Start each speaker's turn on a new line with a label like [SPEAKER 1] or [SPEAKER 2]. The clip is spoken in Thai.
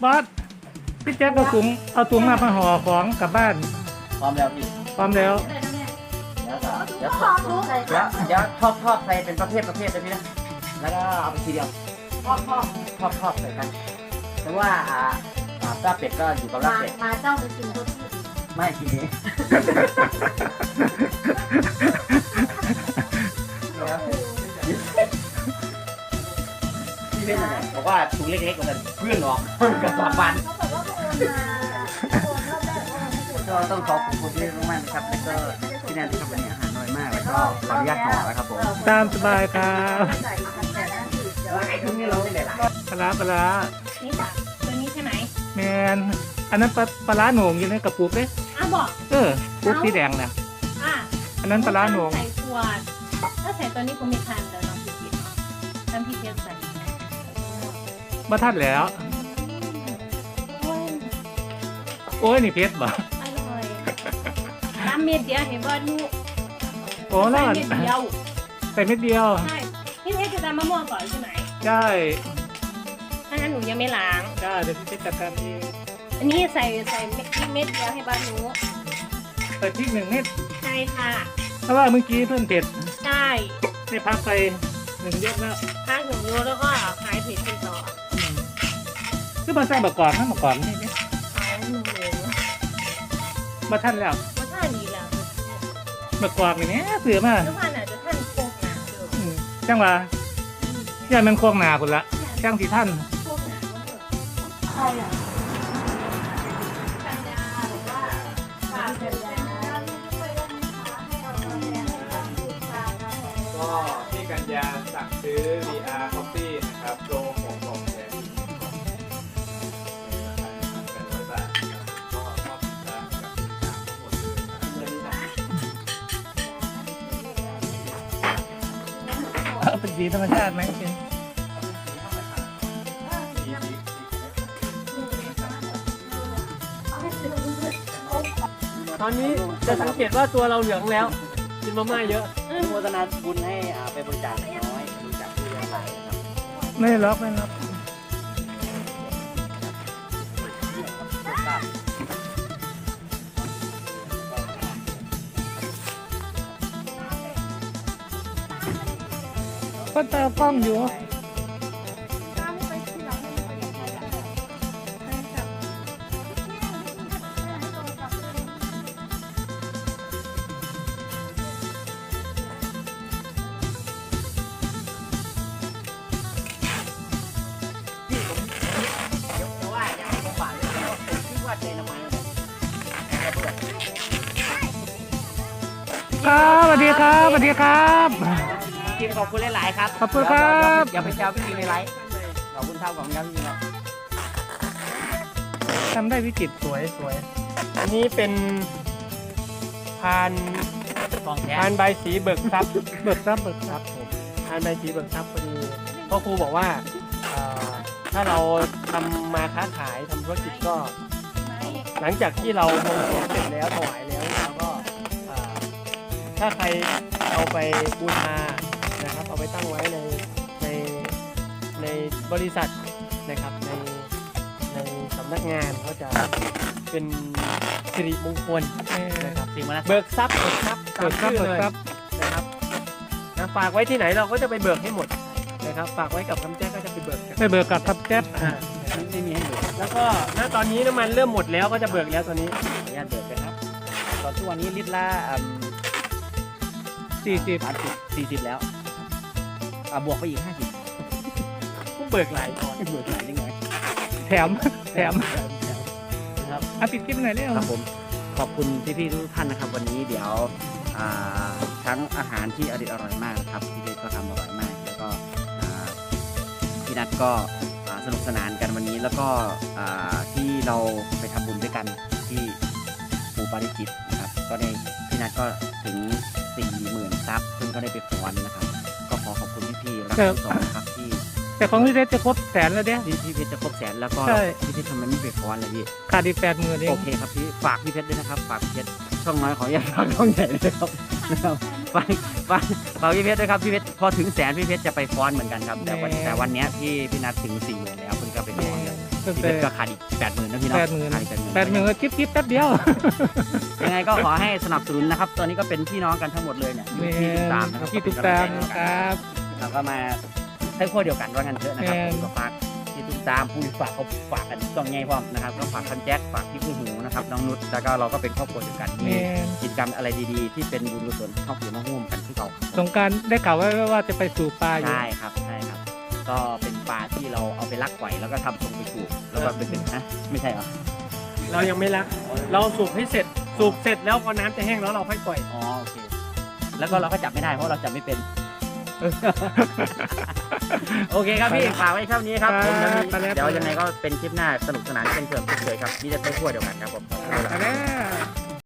[SPEAKER 1] บอสพี่แจ๊คเอาถุงมาห่อของกลับบ้าน
[SPEAKER 2] พร้อมแล้วพี่
[SPEAKER 1] พร้อมแล้ว
[SPEAKER 2] เดี๋ยวทอดใส่เป็นประเภทเลยพี่นะแล้วก็เอาไปทีเดียวทอดใส่กันแต่ว่าลาบเป็ดก็อยู่กับลาบเป็ด
[SPEAKER 3] มาเจ้าไปกินตัวที่
[SPEAKER 2] ไม่ทีนี้พี่เป็นอะไรบอกว่าถุงเล็กๆกว่านั้นเพื่อนหรอกกับสามวัน
[SPEAKER 3] เขาบอกว่าโอนมาโอนรอบแรกโอนไม่ถูก
[SPEAKER 2] ก็ต้องขอบคุณที่มากๆนะครับแล้วก็ที่นั่นที่ทำวันนี้อาหารน้อยมากแล้วก็ขออนุญาตห่อนะครับผม
[SPEAKER 1] ตามสบายครับ
[SPEAKER 3] ใส่แต่นั่นคือเดี๋ยว
[SPEAKER 2] ไอ้ทุกนี้เราไม่ได้หลาย
[SPEAKER 1] ปลาปลา
[SPEAKER 4] นี่จ้ะตัวนี้ใช่ไหม
[SPEAKER 1] แมนอันนั้นปลาโหน่งอยู่ในกระปุกเลย
[SPEAKER 4] บอก
[SPEAKER 1] ปุกสีแดงนะ
[SPEAKER 4] อ่ะ
[SPEAKER 1] อันนั้นปลาโหน่ง
[SPEAKER 4] ใส่ขวดถ้าใส่ตัวนี้กูไม่ทันเดี๋ยวน้องพี่เนาะน้ำพี่เทียบใส่
[SPEAKER 1] มาทัดแล้ว โอ้ยนี่เพชรบ่
[SPEAKER 4] อร่อยน้ำเม็ดเดียวเห็นว่าลูก
[SPEAKER 1] โอ้แล้
[SPEAKER 4] ใส่
[SPEAKER 1] ว
[SPEAKER 4] เม็ดเดียว
[SPEAKER 1] ใส่เม็ดเดียว
[SPEAKER 4] ใช่พี่เพชรจะทำมะม่วงก่อนใช่ไหม
[SPEAKER 1] ใช่
[SPEAKER 4] ถ้างั้นหนูยังไม่ล้าง
[SPEAKER 1] ได้เดี๋ยวพี่เพชรจัดการเอง
[SPEAKER 4] อันนี้ใส่เม็ดเดียวให้บ้านหนู
[SPEAKER 1] ใส่พริก1 เม็ด
[SPEAKER 4] ใช่ค่ะ
[SPEAKER 1] เพราะว่าเมื่อกี้เพิ่มเผ็ด
[SPEAKER 4] ใช่
[SPEAKER 1] ได้พักไป1 ยกแล้ว
[SPEAKER 4] ข้างหนูรู้แล้วก็หายเผ็ดเป็นต่อ
[SPEAKER 1] คือมาใส่บะกอกข้างบะกอกนี่เนี่ย
[SPEAKER 4] เอาหนูเลย
[SPEAKER 1] มาทันแล้ว
[SPEAKER 4] ว่าท่าดีแล้ว
[SPEAKER 1] บะกอกนี่แหม่เสือมา
[SPEAKER 4] ทุกท่านอาจจะท่านโคกหนาเดิม
[SPEAKER 1] จังหวะย่ามันโค้งหนาคนละจังสีท่าน
[SPEAKER 4] โคกหนาก็เถอะ
[SPEAKER 3] ใครอ่ะ
[SPEAKER 4] กันยาหรือว่าฝากกันยา
[SPEAKER 5] ก็พี่กัญญาสั่งซื้อ VR Coffee นะครับโปรของกล่องแถมอีก1 กล่องเป็น100 บาทนะครับก็มอบสินค้ากับสินค้าทั้งหมดเลยนะครับ
[SPEAKER 1] เป็นสีธรรมชาติไหมเป็น
[SPEAKER 6] ตอนนี้จะสังเกตว่าตัวเราเหลืองแล้วกินมาม่าเยอะ
[SPEAKER 2] โฆษณาบุญให้ไปบริจาคน้อยบริจาคที่อะไรนะครับ
[SPEAKER 1] ไม่ล็อกไม่ล็อกก็ตากล้องอยู่ครับสวัสดีครับสวัสดีครับ
[SPEAKER 2] ทีมขอบคุณหลายๆครับ
[SPEAKER 1] ขอบคุณครับ
[SPEAKER 2] อย่าไปแซวพี่ทีในไลฟ์ขอบคุณครับของครับพี่ครับ
[SPEAKER 1] ทำได้วิจิตรสวยสวย
[SPEAKER 6] อันนี้เป็นพาน
[SPEAKER 2] กองแท้
[SPEAKER 6] พานใบสีเบิกทรัพย์
[SPEAKER 1] เบิกทรัพย์เบิกทรัพย์
[SPEAKER 6] พานใบสีเบิกทรัพย์พอดีพ่อครูบอกว่าถ้าเราทำมาค้าขายทำธุรกิจก็ หลังจากที่เราบวงสรวงเสร็จแล้วถวายแล้วเราก็ถ้าใครเอาไปบูชานะครับเอาไปตั้งไว้ในในบริษัทนะครับในสำนักงานเขาจะเป็นสิริมงคลนะครับ
[SPEAKER 2] สิ่งมาแล้ว
[SPEAKER 6] เบิกทรัพย์เบิกทรัพย์
[SPEAKER 1] เบิกทรัพย์
[SPEAKER 6] ตาม
[SPEAKER 1] เบิ
[SPEAKER 6] ชื่
[SPEAKER 1] ก
[SPEAKER 6] อ
[SPEAKER 1] ท
[SPEAKER 6] เล
[SPEAKER 1] รั
[SPEAKER 6] ย
[SPEAKER 1] พย์
[SPEAKER 6] นะครับนะฝากไว้ที่ไหนเราก็จะไปเบิกให้หมดนะครับฝากไว้กับคำแจ้งก็จะไปเบิกกัน
[SPEAKER 1] ไปเบิกกับทับแจ๊บ
[SPEAKER 2] ไม่มีให้ดู
[SPEAKER 6] แล้วก็ณตอนนี้น้ำมันเริ่มหมดแล้วก็จะเบิกแล้วตอนนี้
[SPEAKER 2] ขออนุญาตเบิกกันครับตอนทุกวันนี้ลิตรละ
[SPEAKER 1] 40
[SPEAKER 2] แล้วบวกไปอีก50
[SPEAKER 6] ก็เบิกหลายตอน
[SPEAKER 2] เบิกหลายนิดหน่อย
[SPEAKER 1] แถม
[SPEAKER 2] นะครับ
[SPEAKER 1] ปิดคลิปหน่อยเร็ว
[SPEAKER 2] ครับผมขอบคุณพี่ๆทุกท่านนะครับ วันนี้เดี๋ยวทั้งอาหารที่อร่อยมากครับพี่เพชรก็ทำอร่อยมาก แล้วก็พี่นัทก็สนุกสนานกันวันนี้แล้วก็ที่เราไปทำบุญด้วยกันที่ปูปาริจิตนะครับก็ได้พี่นัทก็ถึง 40,000 ซับซึ่งก็ได้ไปฟ้อนนะครับ ก็ขอขอบคุณพี่ๆรักทั้งสองนะครับที่
[SPEAKER 1] แต่ของพี่เพชรจะครบ100,000แล้วเนี่ย
[SPEAKER 2] พี่เพชรจะครบ100,000แล้วก็
[SPEAKER 1] ใช่
[SPEAKER 2] พี่เพชรทำไมไม่ไปฟ้อนเลยพี่
[SPEAKER 1] ขาดอีก80,000เอง
[SPEAKER 2] โอเคครับพี่ฝากพี่เพชรด้วยนะครับฝากพี่เพชรช่องน้อยขออย่าฝากช่องใหญ่เลยครับนะครับฝากพี่เพชรด้วยครับพี่เพชรพอถึง100,000พี่เพชรจะไปฟ้อนเหมือนกันครับแต่วันนี้พี่นัดถึง40,000แล้วเพิ่งก็ไปฟ้อนเลย
[SPEAKER 1] ตั้ง
[SPEAKER 2] พี่
[SPEAKER 1] แต่
[SPEAKER 2] เพชรก็ขาดอีก80,000นะพี่เนาะ
[SPEAKER 1] 80,000
[SPEAKER 2] ขาดอีก
[SPEAKER 1] 80,000ก็กิ๊บแป๊บเดียว
[SPEAKER 2] ยังไงก็ขอให้สนับสนุนนะครับ ตอนนี้ก็เป็นพี่น้องกันทั้งหมดเลยเนี่ยอยู่ที่ติดตามนะครับ
[SPEAKER 1] ที่ติดตามครับ
[SPEAKER 2] เราก็มาใช้ขั้วเดียวกันว่างั้นเถอะนะครับ
[SPEAKER 1] แม่น
[SPEAKER 2] ผมก็ฝากที่ติดตามผู้ฝากเขาฝากกันต้องไงพร้อมนะครับก็ฝากท่านแจ็คฝากพี่ผู้หูนะครับน้องนุชแล้วก็เราก็เป็นครอบครัวเดียวกันมี
[SPEAKER 1] แม่น
[SPEAKER 2] กิจกรรมอะไรดีๆ ที่เป็นบุญกุศลเข้าเกี่ยวมาร่วมกันที่เรา
[SPEAKER 1] สงกรารได้ข่าวว่าจะไปสู่ปลาอยู่
[SPEAKER 2] ใช่ครับใช่ครับ ก็เป็นปลาที่เราเอาไปลักไว้แล้วก็ทำทรงไปสูบแล้วก็เป็นนะไม่ใช่เหรอ
[SPEAKER 6] เรายังไม่ละเราสูบให้เสร็จสูบเสร็จแล้วพอน้ำจะแห้งแล้วเราค่อยปล่อย
[SPEAKER 2] อ๋อโอเคแล้วก็เราก็จับไม่ได้เพราะเราจับไม่เป็น โอเคครับพี่ฝากไว้เท่านี้ครับผม
[SPEAKER 1] ครับ
[SPEAKER 2] เดี๋ยวยังไงก็เป็นคลิปหน้าสนุกสนานเช่นเดิมเช่นเคยครับนี่จะใช้ขั้วเดียวกันครับผม
[SPEAKER 1] ไปแล้ว